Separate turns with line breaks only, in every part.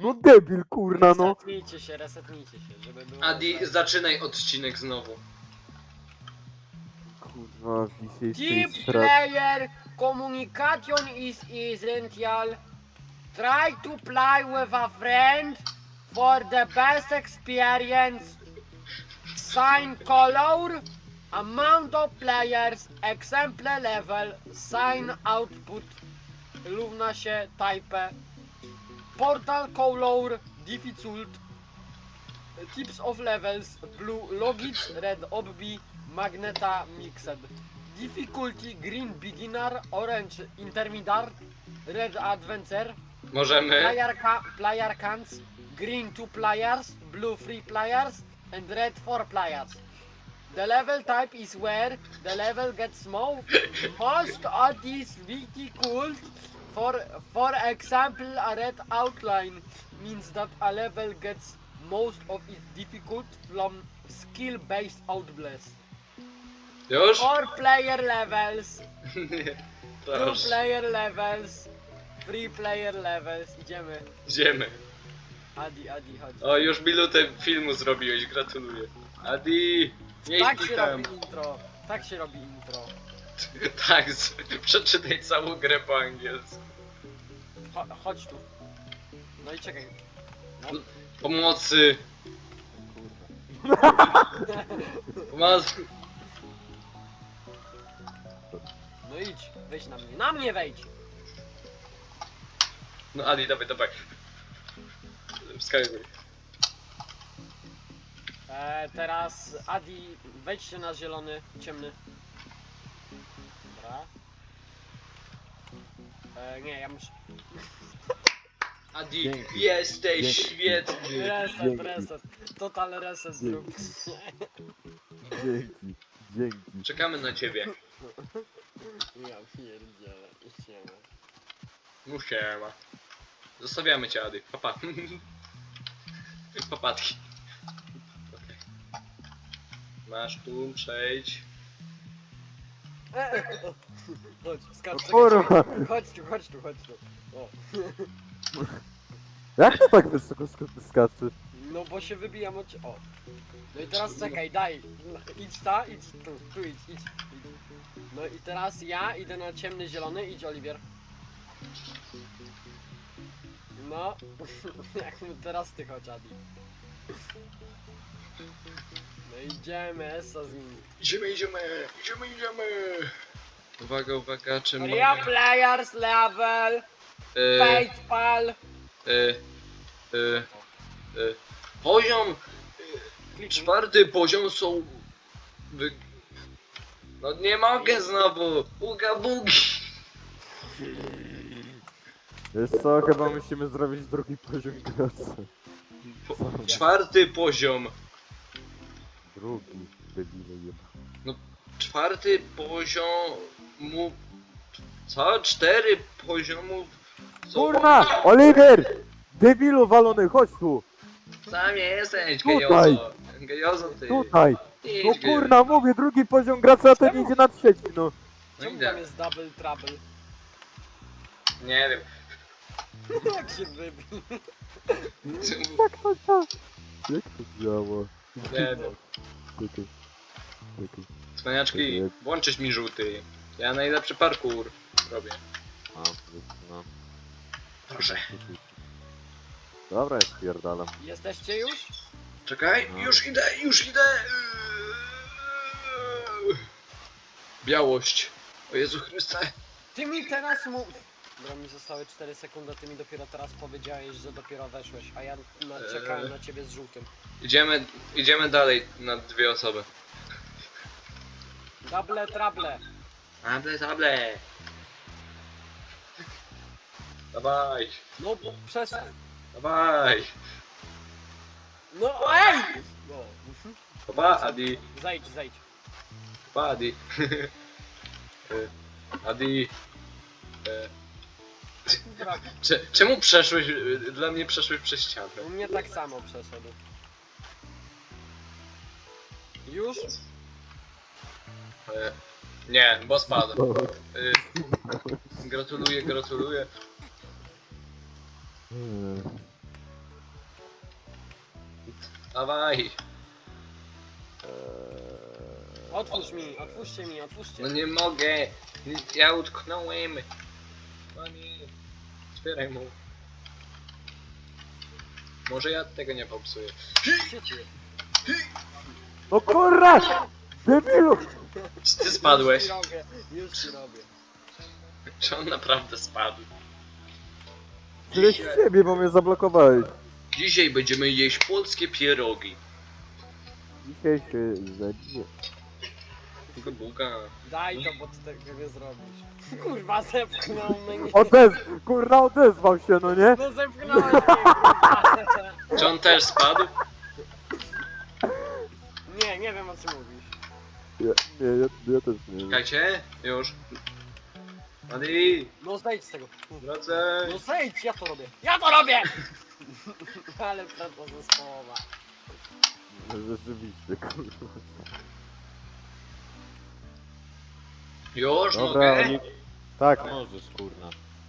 No debil, kurna, no.
Resetnijcie się, żeby było...
Adi, zaczynaj odcinek znowu.
Kurwa, dzisiejszy
Team
jest strat.
player communication is essential. Try to play with a friend for the best experience. Sign color, amount of players, example level, sign output, równa się type, portal color, difficult, tips of levels, blue logits, red obby, magneta mixed, difficulty green beginner, orange intermediate, red adventure,
Możemy?
player counts, green 2 players, blue 3 players, and red 4 players. The level type is where the level gets small. Most of these vehicles, for example, a red outline means that a level gets most of its difficult from skill-based outblast.
Już?
4 player levels,
Nie.
2
Proszę.
player levels, 3 player levels. Idziemy.
Idziemy.
Adi, chodź.
O, już minutę filmu zrobiłeś, gratuluję. Adi, nie
Tak
idź
się
tam.
robi intro. Tak się robi intro.
Tak, przeczytaj całą grę po angielsku.
Chodź tu. No i czekaj. No.
Pomocy. Pomocy.
No idź, wejdź na mnie. Na mnie wejdź!
No Adi, dawaj, dawaj. Wskakuj.
Teraz Adi, wejdźcie na zielony, ciemny. Dobra. Nie, ja muszę...
Adi,
Dzięki.
jesteś
Dzięki.
świetny.
Reset. Total reset zrób.
Dzięki, dzięki.
Czekamy na ciebie.
Ja pierdzielę. Idziemy.
No siema. Zostawiamy cię, Adi. Papa. Papatki. Okay. Masz tu, przejdź.
Chodź, skacz,
Kurwa.
chodź tu. O.
Jak to tak wysoko skaczesz?
No bo się wybijam od o. No i teraz czekaj, idź tu idź. No i teraz ja idę na ciemny zielony, idź Oliwier. No, jak teraz ty chodź Adi. No idziemy, Esa z nim.
Idziemy. Uwaga, czy
Ria
mogę...
players level, PayPal.
Poziom... Czwarty poziom są... No nie mogę znowu! Uga bugi!
Wiesz co, chyba musimy zrobić drugi poziom graczy.
Czwarty poziom.
Drugi, debile jeba.
Czwarty poziomu... Co? 4 poziomów... są-
Kurna! Oliver! Debilu walony, chodź tu!
Sam jesteś,
Tutaj.
gejozo. Gejozo ty.
Tutaj!
Idź,
No
gejozo.
kurna, mówię, drugi poziom gracza, a ten idzie na trzeci, no.
No
Czemu
idę.
tam jest double trouble?
Nie wiem.
Jak się wybił?
Jak to działa? Jak to działa?
Nie wiem.
Czekaj. Czekaj.
Cwaniaczki, włączyć mi żółty. Ja najlepszy parkour robię.
A, no.
Proszę.
Dobra, ja spierdalam.
Jesteście już?
Czekaj,
No.
już idę. Białość. O Jezu Chryste.
Ty mi teraz mu... Dobra, mi zostały 4 sekundy, ty mi dopiero teraz powiedziałeś, że dopiero weszłeś, a ja czekałem na ciebie z żółtym.
Idziemy dalej na 2 osoby.
Double trouble.
Table. Dawaj,
No bo przestań.
dawaj.
No ej! No.
Papa, Adi.
Zejdź.
Papa, Adi. Adi.
Dobra,
Czemu przeszłeś, dla mnie przeszłeś przez ścianę?
u mnie tak samo przeszedł. Już?
Nie, bo spadł. Gratuluję. Dawaj.
Otwórzcie mi.
No nie mogę. Ja utknąłem. Panie. Otwieraj mu. Może ja tego nie popsuję.
Gdzie ty?
No kurwa! Debilu!
Czy ty spadłeś?
Już ci robię.
Czy on naprawdę spadł?
Tyle z ciebie, bo mnie zablokowałeś.
Dzisiaj będziemy jeść polskie pierogi.
Dzisiaj się zabiję.
Buga.
Daj to, bo ty tego nie zrobisz. Kurwa, zepchnął mnie.
Kurwa odezwał się, no nie?
No zepchnąłeś mnie, kurwa.
Czy on też spadł?
Nie wiem o czym mówisz.
Ja też nie wiem.
Czekajcie. Już. Adi.
No zejdź z tego.
Wracaj.
No zejdź, ja to robię. Ja to robię! Ale praca zespołowa.
No rzeczywiście, kurwa.
Już
Dobra,
mogę?
Oli... Tak, możesz, kurna.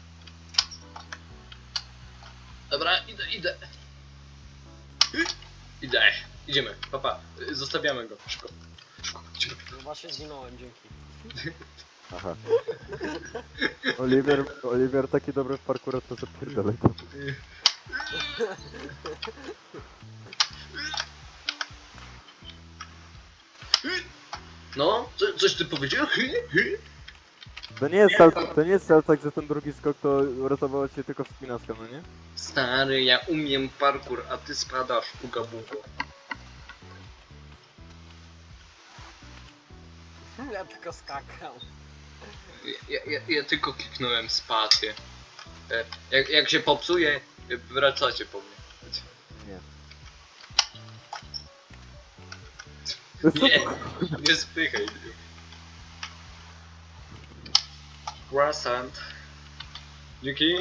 Dobra, idę. Idę. Idziemy, papa. Zostawiamy go. Szybko. Idziemy.
No właśnie zginąłem, dzięki.
Aha. Oliver taki dobry w parkurze, to zapierdalaj to.
No, coś ty powiedział?
To nie jest cel tak, że ten drugi skok to uratowało cię tylko wspinaczka, no nie?
Stary, ja umiem parkour, a ty spadasz, puga bugo.
Ja tylko skakał.
Ja tylko kliknąłem spację. Jak się popsuje, wracacie po mnie.
Nie.
Nie, nie spychaj. Croissant. Dzięki.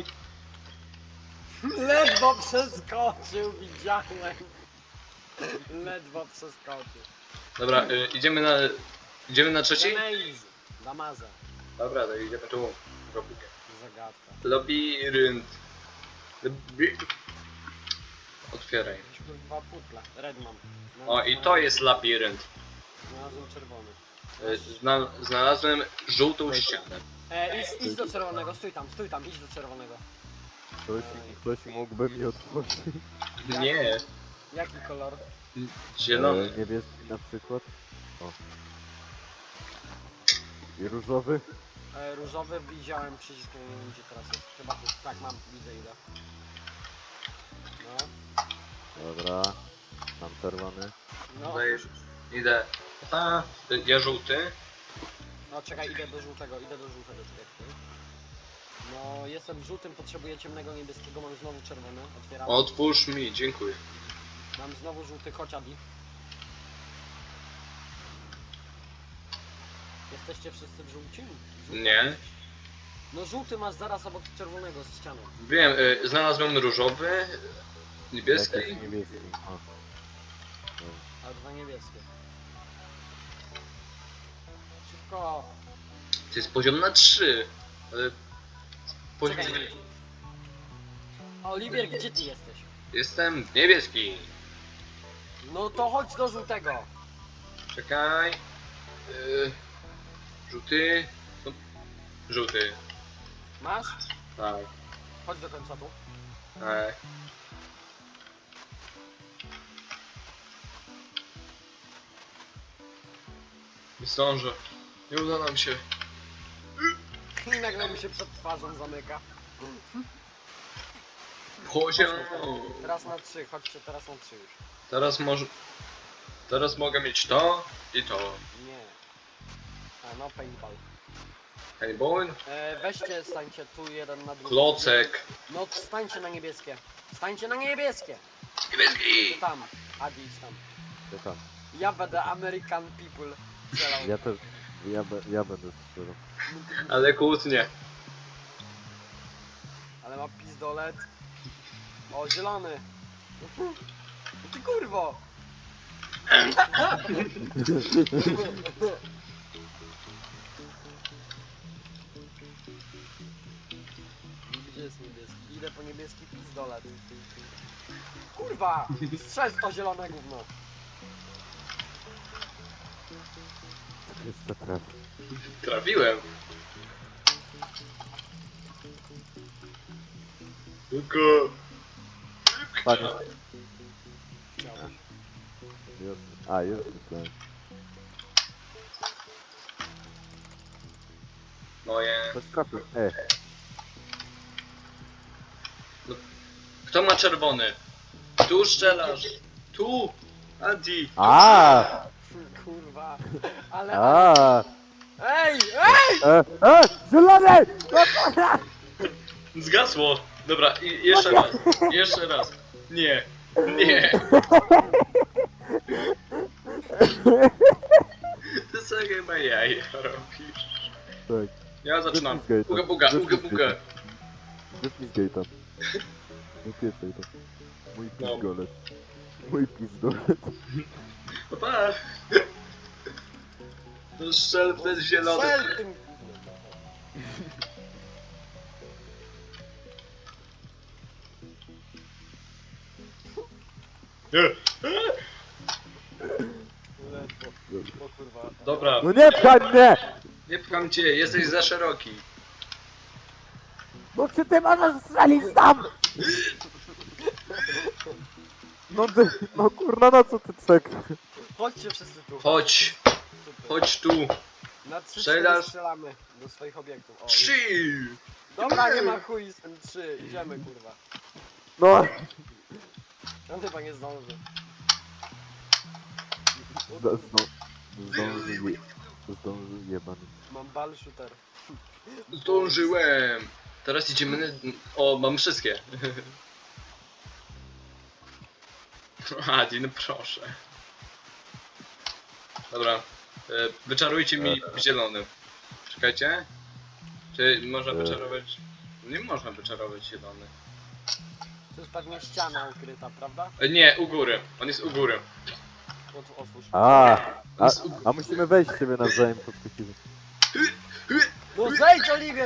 Ledwo przeskoczył, widziałem. Ledwo przeskoczył.
Dobra, idziemy na trzeci?
Amaze. Damaza.
Dobra, to idziemy tu. Robukę.
Zagadka.
Labirynt. Otwieraj.
Jakieś kurwa putla. Red mam.
O, i to jest labirynt.
Znalazłem czerwony.
Znalazłem żółtą ścianę.
Idź do czerwonego, stój tam, idź do czerwonego.
Ktoś mógłby mi otworzyć.
Nie,
Jaki kolor?
zielony.
Niebieski na przykład. O. I różowy.
Różowy widziałem przycisk, nie wiem gdzie teraz jest. Chyba tu, tak mam, widzę ile.
Dobra. Mam czerwony.
No,
Dajesz. Idę. A, ja żółty.
no czekaj, idę do żółtego, czekaj. No, jestem żółtym, potrzebuję ciemnego niebieskiego, mam znowu czerwony, otwieram.
Otwórz mi, dziękuję.
Mam znowu żółty, chodź Adi. Jesteście wszyscy w żółcim?
Nie.
No żółty masz zaraz obok czerwonego z ścianą.
Wiem, znalazłem różowy, niebieski.
Jakiś niebieski. O.
A dwa niebieskie. Szybko!
To jest poziom na 3. Ale... Poziom...
Czekaj. Oliwier, gdzie ty jesteś?
Jestem niebieski.
No to chodź do żółtego.
Czekaj. Żółty. No, żółty.
Masz?
Tak.
Chodź do końca tu.
Tak. Nie zdążę. Nie uda nam się.
I nagle mi się przed twarzą zamyka.
Poziom.
Teraz na 3, chodźcie teraz na 3 już.
Teraz może... Teraz mogę mieć to i to.
Nie. A no paintball.
Hejboin.
Weźcie, stańcie tu jeden na drugi.
Klocek.
No stańcie na niebieskie. Stańcie na niebieskie!
Niebieski.
Tam. Adi idź tam.
Ja tam.
Ja będę American people strzelał.
Ja też. Ja będę strzelał.
Ale kłótnie.
Ale ma pistolet. O, zielony. Ty kurwo! Gdzie jest niebieski? Idę po niebieski pistolet. Kurwa! kurwa! Strzel w to zielone gówno.
Jeszcze traf.
Trafiłem. Tylko...
Panie.
Chciałbyś.
Już. A, już myślałem.
Moje...
Ktoś trafił.
Kto ma czerwony? Tu strzelasz. Tu! Adi!
A!
Kurwa. Ale...
A!
Ej! Ej!
Zielony!
Zgasło! Dobra, i jeszcze raz. Jeszcze raz. Nie. Nie. Ty co chyba jaja robisz?
Tak.
Ja zaczynam.
Wypiskaj to.
Uga buga, uga
Wypiskaj
buga.
to. Wypiskaj tam. Wypieskaj tam. Mój
No.
pizdolet. Mój pizdolet.
Pa, pa. No strzel w ten zielony.
Strzel tym...
Nie.
O kurwa.
Dobra,
No nie pchaj mnie!
nie pcham cię, jesteś za szeroki.
Bo czy ty możesz strzelić tam? No ty, no kurna, na co ty czek?
Chodźcie wszyscy tu.
Chodź,
Super.
chodź tu.
Na 3
Strzelasz?
strzelamy do swoich obiektów. O,
3!
dobra, nie ma chuj, jestem 3. Idziemy kurwa.
No,
On chyba nie zdąży.
zdążył jebany.
Mam ball shooter.
Zdążyłem. Teraz idziemy na... O, mam wszystkie. Adi, no proszę. Dobra. Wyczarujcie mi zielony. Czekajcie. Czy można wyczarować... Nie można wyczarować zielony.
To jest pewnie ściana ukryta, prawda?
Nie, u góry. On jest u góry.
Otwórz.
A musimy wejść w siebie nawzajem podskakimy.
No zejdź, Oliwier!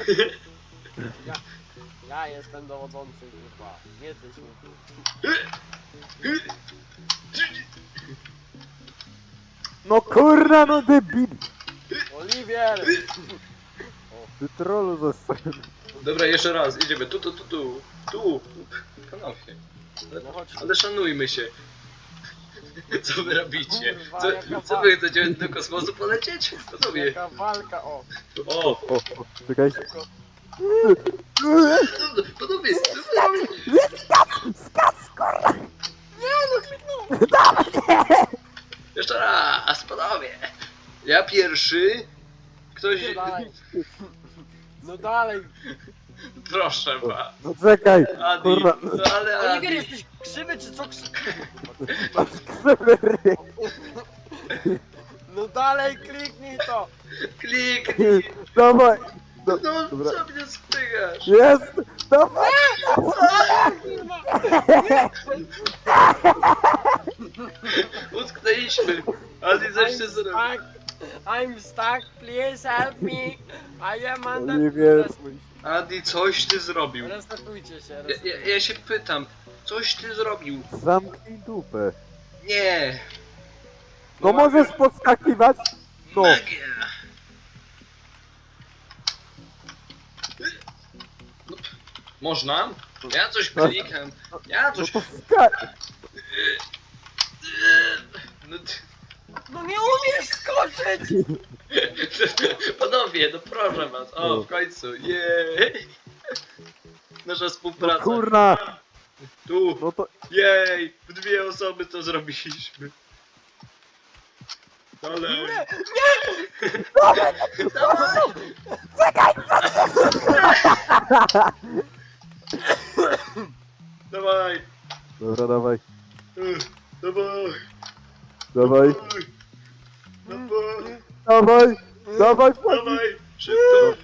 Ja jestem dowodzący, kurwa. Nie ty, słuchaj.
No kurna, no debil!
Oliwier!
Ty trollu zostań.
Dobra, jeszcze raz. Idziemy. Tu. Panowie.
No chodź.
Ale szanujmy się. Co wy robicie?
Kurwa,
Co,
jaka
co wy chcecie do kosmosu polecieć? Panowie.
Jaka walka, o.
O,
O, czekaj.
panowie, co wy robicie?
Skacz, kurwa!
Jeszcze raz, panowie. Ja pierwszy. Ktoś...
No dalej. No dalej.
Proszę was.
No czekaj,
Adi,
kurwa.
no ale
Oliwier,
Adi.
jesteś krzywy czy co krzywy?
Masz krzywy ryj.
No dalej, kliknij to.
Kliknij.
Dawaj.
No,
Dobra.
co mnie spychasz?
Jest! Dawaj!
Kurwa.
Utknęliśmy. Adi coś się
I'm
zrobił.
stuck. I'm stuck. Please help me. I am under...
Oliwier.
Adi, coś ty zrobił.
Resetujcie się,
Ja się pytam, coś ty zrobił?
Zamknij dupę.
Nie.
No możesz podskakiwać? No.
Magia. No, można? Ja coś klikam. Ja
No
coś...
to skacz.
No,
No nie umiesz skoczyć!
panowie, no proszę was. O, w końcu. Jej. Nasza
No
współpraca.
kurna.
Tu.
No to...
Jej. W 2 osoby to zrobiliśmy. Dalej.
Nie!
Dawaj. Dawaj.
Dobra, dawaj.
Dawaj.
Dawaj.
Dawaj.
Dawaj. Dawaj, wchodź.
Dawaj. Szybko.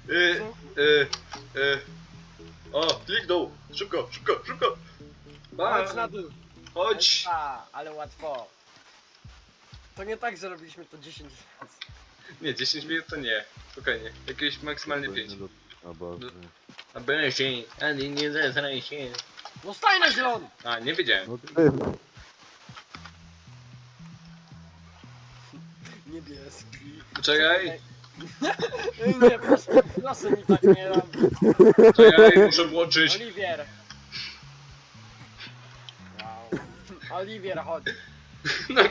O, kliknął. Szybko, szybko, szybko.
Chodź na dół.
Chodź.
A, ale łatwo. To nie tak, że robiliśmy to 10 razy.
Nie, 10 minut to nie. Spokojnie. Jakieś maksymalnie 5.
O Boże.
A będzie, ani nie zezraj się.
No staj na zielony!
A, nie wiedziałem.
No ty.
Niebieski.
Czekaj,
Ej, nie, proszę mi tak nie robić.
czekaj, muszę włączyć.
Oliwier. Wow. Oliwier, chodź.
No,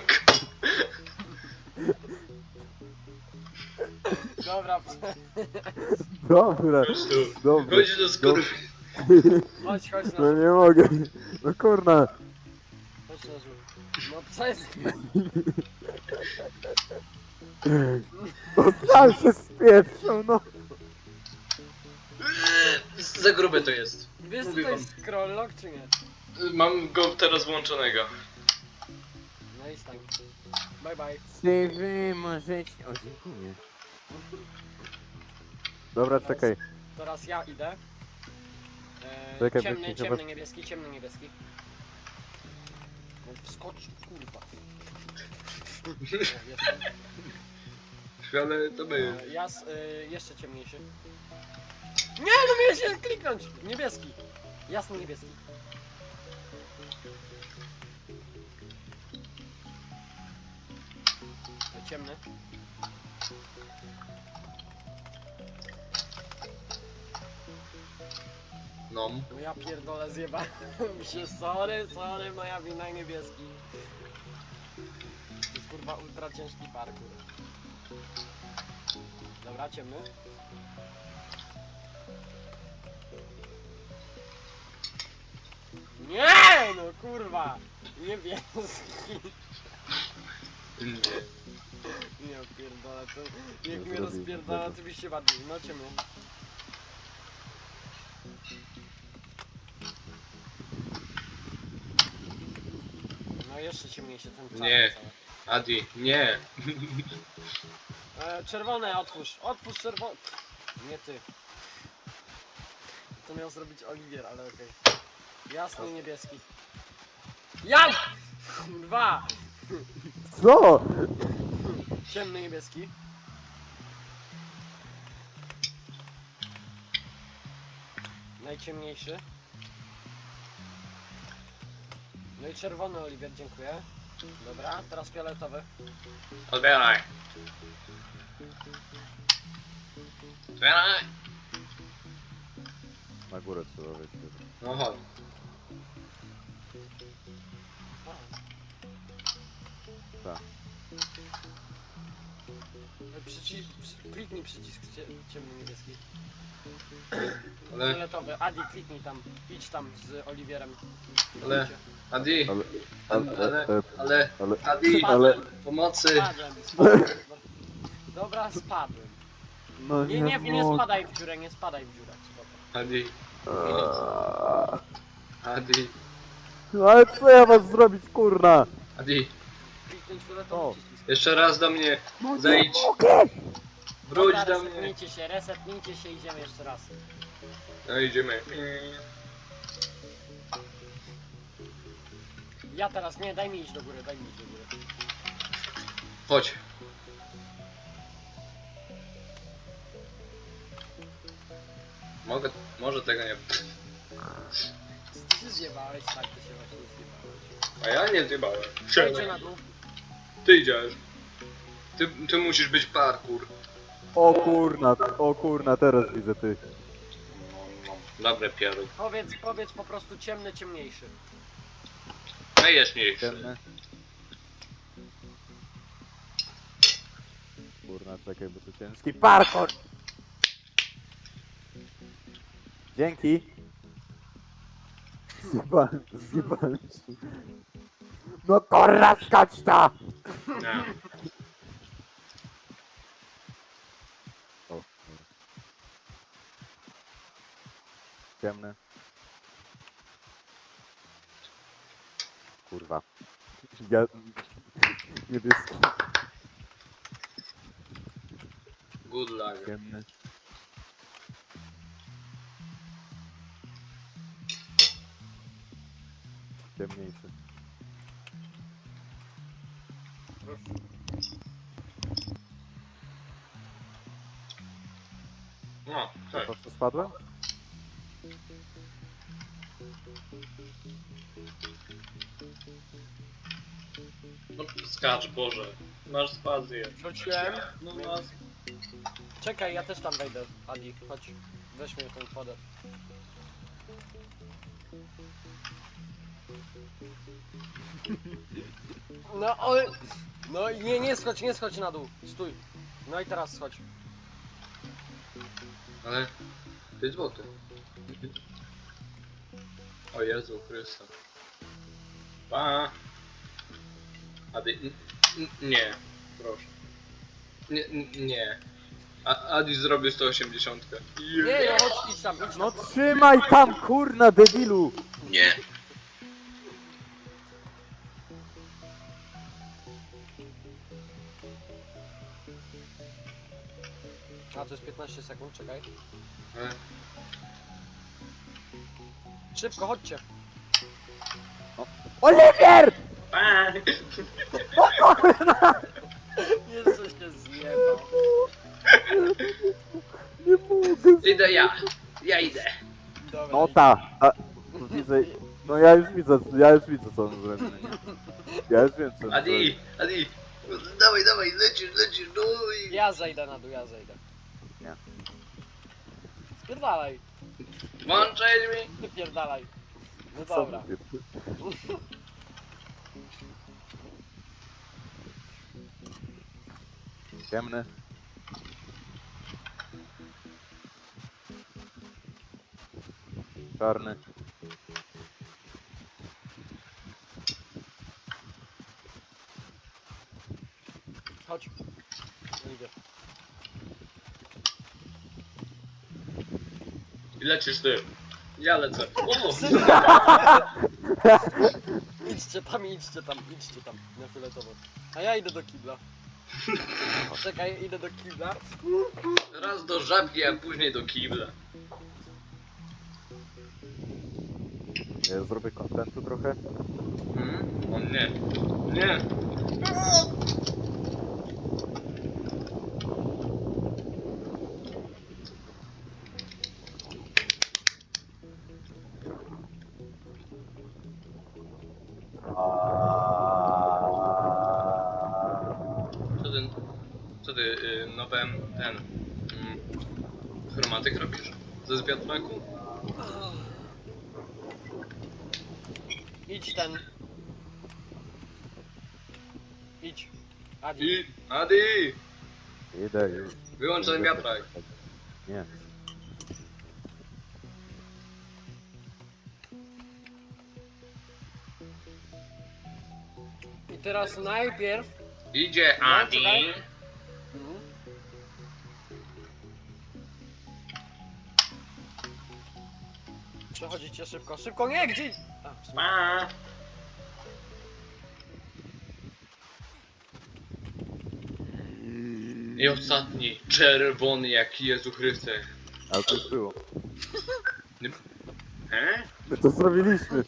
Dobra,
Dobra,
chodź tu.
dobra.
Chodź do skóry.
chodź na
No nie mogę. No kurna.
Chodź na żółw. No przestań.
No sam się spieprzą, no.
Za grube to jest.
Wiesz co
Mówię
to
wam.
jest scrolllock czy nie?
Mam go teraz włączonego.
No i stań. Bye bye.
Czy wy możecie... O, dziękuję. Dobra, czekaj.
Teraz ja idę.
Czekaj,
Ciemny,
bo-
ciemny niebieski, ciemny niebieski. No skocz, kurwa. O, jestem.
Ale to my.
Jeszcze ciemniejszy. Nie, no miałem się kliknąć! Niebieski. Jasny niebieski. Ciemny.
No.
No ja pierdolę, zjebałem się. Sorry, moja wina, niebieski. To jest kurwa ultra ciężki parkour. Dobra, ciemny. Nie, no kurwa! Niebieski.
Nie.
Nie pierdolę, to jak
No
mnie
zrobił
rozpierdala,
tego.
to byś się bardziej. No ciemny. No jeszcze ciemniejszy ten czarny
Nie.
cały.
Adi, nie.
Czerwone otwórz czerwone. Nie ty. To miał zrobić Oliwier, ale okej. Jasny niebieski. Ja! Dwa!
Co?
Ciemny niebieski. Najciemniejszy. No i czerwony Oliwier, dziękuję. Dobra, teraz fioletowy.
Odbieraj. Otwieraj.
Na górę trzeba wejść.
No chodź.
Tak.
Kliknij przycisk ciemny niebieski.
Ale,
Fioletowy. Adi, kliknij tam. Idź tam z Oliwierem.
Ale- Adi,
Ale...
ale, Adi,
Ale...
pomocy.
Spadłem. Dobra, spadłem.
No
Nie
mogę.
spadaj w dziurę, nie spadaj w dziurę. Spoko.
Adi, Adi,
No ale co ja was zrobić, kurna?
Adi.
Kliknij
O.
fioletowy przycisk.
Jeszcze raz do mnie.
No nie
Zejdź.
mogę!
Wróć
Dobra,
do mnie.
resetnijcie się, idziemy jeszcze raz.
No idziemy.
Ja teraz, nie, daj mi iść do góry.
Chodź. Może tego nie...
Ty się zjebałeś, tak, ty się właśnie zjebałeś.
A ja nie zjebałem.
Przejdźcie na dół.
Ty idziesz. Ty musisz być parkour.
O kurna, teraz widzę ty.
Dobre piery.
Powiedz po prostu ciemny, ciemniejszy.
Najjaśniejszy.
Ciemne. Kurna, czekaj, bo to ciężki parkour! Dzięki! Zjebałem się. No kurna, skacz ta!
Nie.
O, ciemne. Kurwa. Ja... Niebieski.
Good luck.
Ciemny. Ciemniejszy.
No,
Na
tak.
to co spadłem?
No skacz, Boże. Masz spazję.
Wróciłem.
No masz.
Czekaj, ja też tam wejdę. Adi, chodź. Weź mnie w ten poder. No, ale... No i nie schodź na dół. Stój. No i teraz schodź.
Ale... 5 zł. O Jezu Chryste. Pa. Adi... Nie. Proszę. Nie. Adi zrobił 180.
Nie, no chodź, idź tam, idź
No
tam.
trzymaj tam, kurna, debilu!
Nie.
A, to jest 15 sekund, czekaj.
Ale...
Szybko, chodźcie.
Oliwier!
Pa.
Jezu się zjebał.
Nie mogę.
Idę ja. Ja idę.
Dobra,
No
idź.
widzę, no ja już widzę co on zrobił, nie? Ja już wiem co on zrobił.
Adi. Dawaj, lecisz, no i...
Ja zejdę na dół, ja zejdę.
Nie.
Spierdalaj,
Włączaj mi.
wypierdalaj. No
Co
dobra.
mówię? Ciemny. Czarny.
Chodź. No idę.
I lecisz ty. Ja lecę. O!
Idźcie tam, na fioletowo. A ja idę do kibla. Czekaj, idę do kibla.
Raz do żabki, a później do kibla.
Ja zrobię kontentu trochę.
O nie. Nie. Co ty nowe chromatyk robisz? Ze wiatraku?
Idź ten. Idź. Adi.
I Adi!
Idę już.
Wyłącz ten wiatrak.
Nie.
I teraz najpierw...
Idzie
No,
Adi!
czekaj. Mhm. Przechodzicie szybko, szybko, nie, gdzie? A, w sumie.
Pa! I ostatni, czerwony jak Jezu Chryste.
Ale to już było.
He?
My to zrobiliśmy.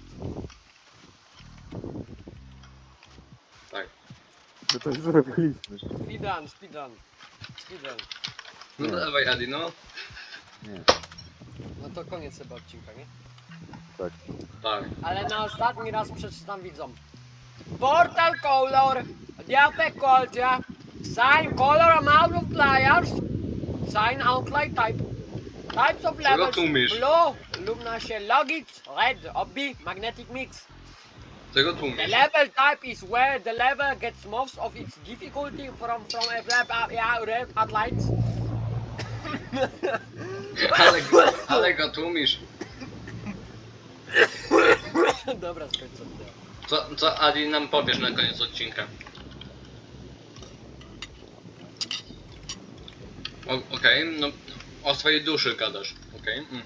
Tak.
My to już zrobiliśmy.
Speedrun.
No
Nie.
dawaj Adi, no.
Nie.
No to koniec chyba odcinka, nie?
Tak.
Tak.
Ale na ostatni raz przeczytam widzom. Portal color, difficulty, sign color amount of players, sign outline type. Types of levels,
tłumisz?
blue, lumina shell logics, red, obby, magnetic mix.
Czego
The
tłumisz?
level type is where the level gets most of its difficulty from red outlines.
Ale go tłumisz.
Dobra, skończę.
Co Adi nam powiesz na koniec odcinka? Okej, no o swojej duszy gadasz, okej? Mhm.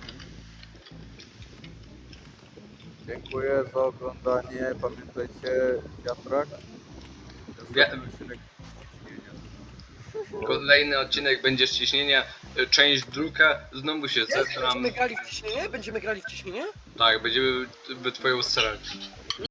Dziękuję za oglądanie. Pamiętajcie, wiatrak.
Wi- Kolejny odcinek będzie z ciśnienia, część druga, znowu się zesram.
Będziemy grali w ciśnienie?
Tak, będziemy twoją strzelać.